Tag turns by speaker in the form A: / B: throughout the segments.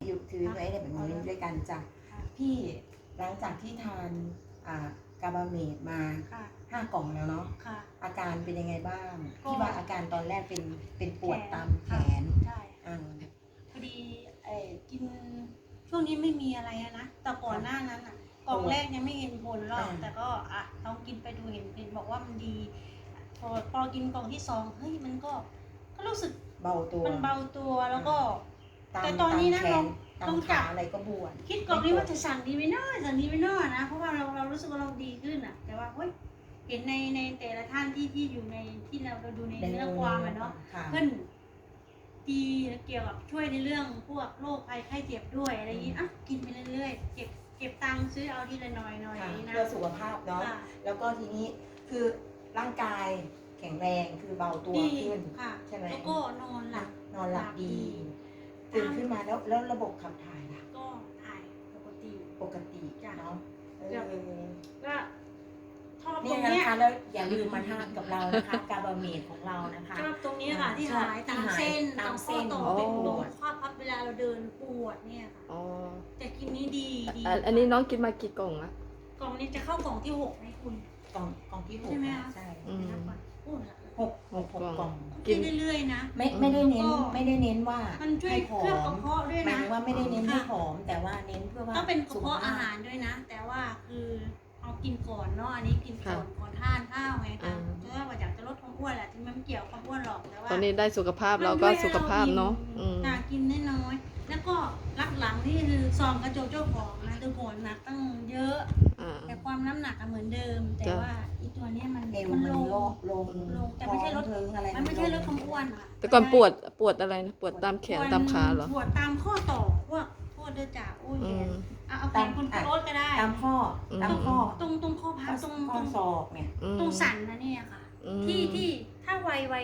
A: ถือไว้เนี่ยเป็นโมเมนต์ด้วยกันจ้ะพี่หลังจากที่ทานกาบาเมดมา5 กล่องแล้วเนาะอาการเป็นยังไงบ้างที่ว่าอาการตอนแรกเป็นปวดตามแขน
B: ใช่พอดีกินช่วงนี้ไม่มีอะไรนะแต่ก่อนหน้านั้นกล่องแรกยังไม่เห็นผลหรอกแต่ก็ต้องกินไปดูเห็นบอกว่ามันดีพอกินกล่องที่2เฮ้ยมันก็รู้สึก
A: เบาตัว
B: มันเบาตัวแล้วก็แต่ตอนนี้นะลองจับ
A: อะไรก็บวม
B: คิดกล่องนี้ว่าจะสั่งดีไม่น้อยนะเพราะว่าเรารู้สึกว่าเราดีขึ้นแต่ว่าเฮ้ยเห็นในแต่ละท่านที่อยู่ในที่เราดูในเรื่องความเนาะเพื่อนดีเกี่ยวกับช่วยในเรื่องพวกโรคภัยไข้เจ็บด้วยอะไรอย่างนี้กินไปเรื่อยๆเก็บตังค์ซื้อเอาทีละหน่อย
A: นะเพื่อสุขภาพเนาะแล้วก็ทีนี้คือร่างกายแข็งแรงคือเบาตัวขึ้นใช่ไหม
B: แล้วก็นอนหลับ
A: ดีตื่นขึ้นมาแล้วระบบขับถ่ายล่ะ
B: ก็ถ่ายปกติ
A: เนาะ
B: ก็ชอบต
A: รงนี้นะคะแล้วอย่าลืมมาทานกับเรานะคะกาบาเมดของเรานะคะ
B: ชอบตรงนี้ค่ะที่หายตามเส้นตามข้อต่อเป็นตรงข้อพับเวลาเราเดินปวดเนี่ยค่ะแต่กินนี้ดี
C: อันนี้น้องกินมากี่กล่องละ
B: กล่องนี้จะเข้ากล่องที่6ให้คุณ
A: กล่องที่6
B: ใช่ไหมคะ
A: ใช่
C: 6 กล่อง
B: กินเรื่อยๆนะ
A: ไม่ได้เน้นว่า
B: มันช่วยเคลือบกระเพาะด้วยนะ
A: หมายถึงว่าไม่ได้เน้นให้ผอมแต่ว่าเน้นเพื่อว่า
B: ต้องเป็นกระเพาะอาหารด้วยนะแต่ว่าคือเอากินก่อนเนาะอันนี้กินก่อนทานข้าวไงคะเพราะว่าอยากจะลดความอ้วนแหละที่มันเกี่ยวความอ้วนหรอกแต่ว่า
C: ตอนนี้ได้สุขภาพเราก็สุขภาพเนาะ
B: กินน้อยแล้วก็รักหลังนี่คือซองกระโจกเจ้าของนะตัวผลหนักตั้งเยอะแต่ความน้ำหนักเหมือนเดิมแต่ว่าอีตัวนี้มัน
A: ลง
B: แต่ไม่ใช่ลดมันไม่ใช่ลดความอ้วนค่ะ
C: แต่ก่อนปวดอะไรนะปวดตามแขนตามขาเหรอ
B: ปวดตามข้อต่อพวกเดือดจ่าอุ้ยเอาแขนคุณโรสก็ได้
A: ตามข้อ
B: ตรงข้อพับตรง
A: ศอกเนี่ย
B: ตรงสันนะเนี่ยค่ะที่ถ้าวัย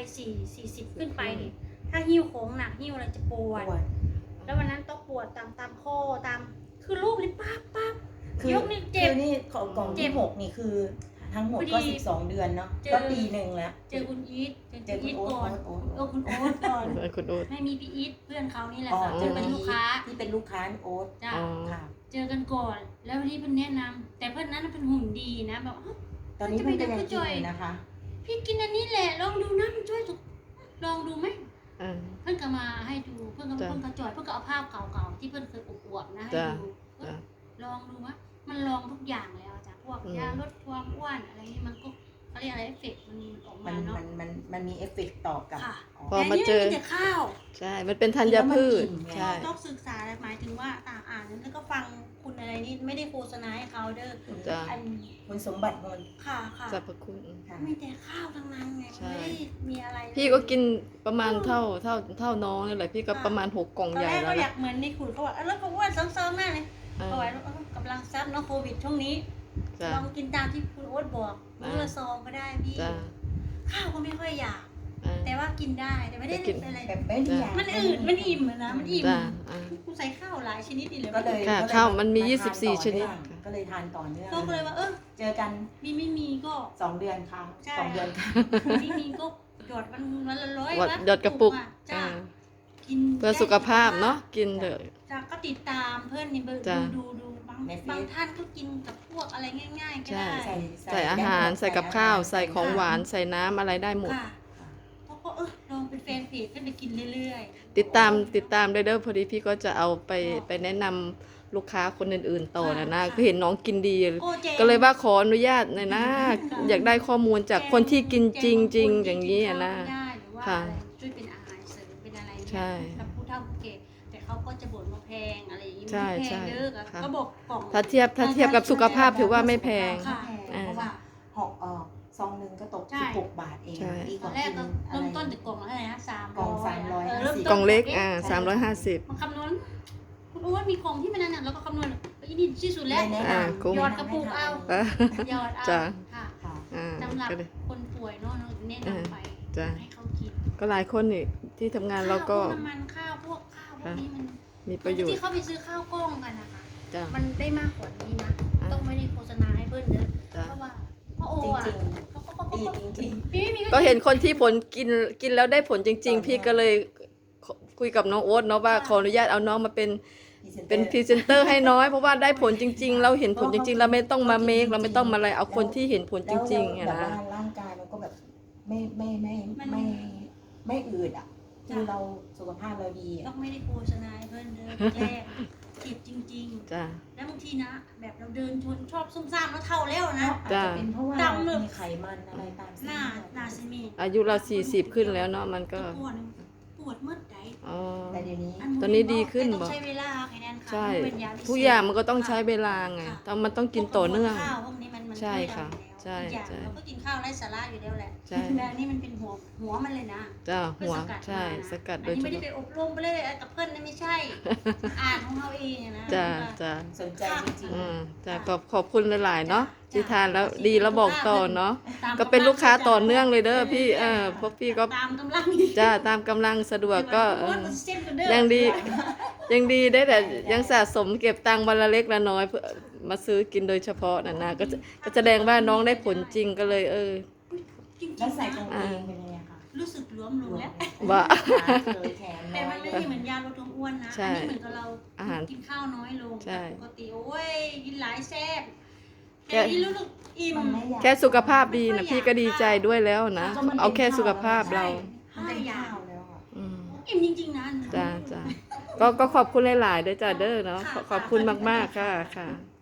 B: 40ขึ้นไปนี่ถ้าหิ้วโค้งหนักหิ้วอะไรจะปวดแล้ววันนั้นต้องปวดตามข้อตามคือรูปนี่ปั๊บยกนี่เจ็บ
A: นี่กล่องที่6นี่คือทั้งหมดก็12 เดือนเนาะก็ปีหนึ่งแล้ว
B: เจอคุณอีทก่อนคุณโอ๊ตก่อนให้มีพี่อีทเพื่อนเขานี่แหละค่ะเจอเป็นลูกค้า
A: ที่เป็นลูกค้าโอ๊ต
B: จ้ะเจอกันก่อนแล้ววันนี้เพื่อนแนะนำแต่เพื่อนนั้นเป็นหุ่นดีนะแบบ
A: ตอนนี้เพื่อนก็ยังกินนะคะ
B: พี่กินอันนี้แหละลองดูนะมันช่วยสุขลองดูไหมเพื่อนก็มาให้ดูเพื่อนก็จอยเพื่อนก็เอาภาพเก่าๆที่เพื่อนเคยอวบๆนะให้ดูลองดูว่ามันลองทุกอย่างแล้วจ้ะพวกยาลดความอ้วนอะไรนี่มันก็เขาเรียกอะไรเอฟเฟกต์มันออกมาเนาะ
A: มันมีเอฟเฟกต์ต่อกับ
C: พอมาเจอ
B: ข้าว
C: ใช่มันเป็นธัญพืช
B: ใช่ต้องศึกษาหมายถึงว่าอ่านแล้วก็ฟังคุณอะไรนี่ไม่ได้โฆษณาให้เขาเด้อ
A: คุณสมบัติมัน
B: ค่ะ
C: สรรพคุณ
B: มีแต่ข้าวทั้งนั้นไงไม่ได้มีอะไร
C: พี่ก็กินประมาณเท่าน้องนี่แหละพี่ก็ประมาณ6 กล่องใหญ่แล้ว
B: ก็อยากเหมือนในขุนเขาบอกแล้วก็อ้วนเสริมๆมากเลยเอาไว้กำลังซับเนาะโควิดช่วงนี้ลองกินตามที่คุณโอ๊ตบอกมื้อละซองก็ได้พี่ข้าวก็ไม่ค่อยอยากแต่ว่ากินได้แต่ไม่ได้อะไร
A: แบบไม่ได้อยาก
B: มันอืดมันอิ่มนะมันอิ่มกูใส่ข้าวหลายชนิดนี่เลย
A: ก็เลย
C: ข้าวมันมี24 ชนิด
A: ก็เลยทานต่อเนื่อง
B: ก็เลยว่า
A: เจอกัน
B: ไม่มีก็
A: 2 เดือนค่ะ2 เดือนค่ะ
B: ไม่มีก็หยอดวันละ100
C: หยอดกระปุก
B: กิน
C: เพื่อสุขภาพเนาะกินเถอะ
B: ก็ติดตามเพื่อนในเบอร์ดูบางท่านก็กินกับพวกอะไรง่ายๆก็ได้
C: ใส่อาหารใส่กับข้าวใส่ของหวานใส่น้ำอะไรได้หมด
B: เขาก็ลองเป็นแฟนเพจก็ไปกินเรื่อย
C: ๆติดตามเด้อพอดีพี่ก็จะเอาไปแนะนำลูกค้าคนอื่นๆต่อนะก็เห็นน้องกินดีก็เลยว่าขออนุญาตหน่อยนะอยากได้ข้อมูลจากคนที่กินจริงๆอย่างนี้นะ
B: ค่ะช่วยเป็นอาหารเสริมเป็นอะไรกับผู้เฒ่าผู้แก่แต่เขาก็จะบ่นว่าแพงอะไรอย่างนี้ไม่แพงเยอะก็บอกกล่อง
C: ถ้าเทียบกับสุขภาพถือว่าไม่แพง
B: เพราะว่า
A: ซองนึงก็ตก16 บาทเอง
B: ตอนแรกก็เริ่มต้นจากกล่องอะไรนะ
A: กล่อง
C: 350กล่องเล็ก350
B: มันคำนวณคุณรู้ว่ามีกล่องที่มันนั่นแล้วก็คำนวณอีนี่ที่สุดแล้วยอดกระปุกเอายอดเอาค่ะสำหรับคนป่วยเนาะแนะนำไปให้เขากิน
C: ก็หลายคนนี่ที่ทำงานเราก็
B: น้ำมันข้าวพวกนี้มัน
C: มีประโยชน์
B: ที่เขาไปซื้อข้าวกล้องกันนะคะมันได้มากกว่านี้นะต้องไม่ได้โฆษณาให้เพิ่นเด้อเพราะว่าพ่อโออ่ะ
C: ก็เห็นคนที่ผลกินแล้วได้ผลจริงๆพี่ก็เลยคุยกับน้องโอ๊ตเนาะว่าขออนุญาตเอาน้องมาเป็นเป็นพรีเซนเตอร์ให้น้อยเพราะว่าได้ผลจริง ๆ เราเห็นผลจริง ๆ เราไม่ต้องมาเมคเราไม่ต้องมาอะไรเอาคนที่เห็นผลจริงๆ
A: แล้
C: อะ
A: วแบบ
C: นะ
A: ว่าร่างกายมันก็แบบไม่อืดอ่ะคือเราสุขภาพเราดีอะ
B: ต้องไม่ได้โฆษณาให้เพื่อนเดินแรกเจ็บจริง
C: จ้า
B: ๆ แล้วบางทีนะ แบบเราเดินชนชอบซุ่มซ่ามแล้วเท่าแล้วนะ
A: อาจจะเป็นเพราะว่า
B: ดำเลย
A: มีไขมันอะไรตามเส้
B: ห
A: น
B: น้า
A: เลือด
B: หน้าซีเมนต์
C: อายุเรา40ขึ้นแล้วเนาะมันก็
B: ปวดเมื่อใด
C: อ๋อ
A: แต่เดี๋ยวนี้
C: ตอนนี้ดีขึ้น
B: แต่ต้
C: บ่
B: องใช้เวลาค่ะแนนค่ะ
C: ใช่
B: มันเป็นยาพิเศษ
C: ทุกอย่างมันก็ต้องใช้เวลาไง
B: ค่ะ
C: แต่มันต้องกินต่อเนื่อง
B: ข้าวพวกนี้มัน
C: ใช่
B: ช่วยเรา
C: ค่ะ
B: อยู่แล้ว
C: ใช่
B: อีกอย่าง
C: ใช่
B: เราก็กินข้าวไร้สาระอยู่แล้วแหละ
C: ใช่
B: แต่อันนี้มันเป็นหัวมันเลยนะ
C: จ้า
B: เพื่
C: หั
B: อ
C: ว
B: สกัด
C: ใช่
B: มานะ
C: สกัดโด
B: อัน
C: ย
B: นี้
C: เฉ
B: ไม่ได้
C: พาะ
B: ไปอบรมไปเลยกับเพื่อนนะไม่ใช่ อ่านของเราเองอะนะ
C: จ้า
B: ว่า
C: จ้า
A: สนใจจริง
C: อืมจ้าขอบคุณหลายๆเนาะ
B: จ้ะ
C: ที่ทานแล้วดีแล้วบอกต่อเนาะ
B: ตาม
C: ก็เป็นลูกค้าต่อ
B: ำลัง
C: เนื่องเลยเด้อพี่
B: รื่ยๆ
C: พวกพี่ก็
B: ตามกำลัง
C: จ้าตามกำลังสะดวกก็
B: เส้นกันเด้อ
C: ยังดียังดีได้แต่ยังสะสมเก็บตังค์วันละเล็กละน้อยเพื่อมาซื้อกินโดยเฉพาะนะก็แสดงว่าน้องได้ผลจริงก็เลย
B: จริง
A: ๆ
B: ๆ
A: แล้วใส่
B: นะ
A: กางเกงเป็นยังไงคะ
B: รู้สึกหลวมลงแล้ว
C: ว่า
A: เลยแขน
B: แต่
A: น้อ
B: มั
A: ย
B: น
A: เล
B: ไม่
A: ย
B: ได้เหมือนยาลดความอ้วนนะ
C: ใช่
B: อันนี้เหมือนกับเรา
C: อาหาร
B: กินข้าวน้อยลง
C: ใช่
B: ปกติโอ้ยกินหลายแซ่บ
C: แค่
B: แต่นี่รู้สึกอิ่ม
A: มันไม่อยาก
C: แค่สุขภาพดีนะพี่ก็ดีใจด้วยแล้วนะ
A: ก็มันเป็น
C: เอาแค่สุขภาพเรา
A: มันเป็นข้าวแล้วอะ
C: อืม
B: อิ่มจริงๆนะ
C: จ้าจ้าก็ขอบคุณหลายๆเด้อจ้าเด้อเนาะขอบคุณมากๆค่ะค่ะ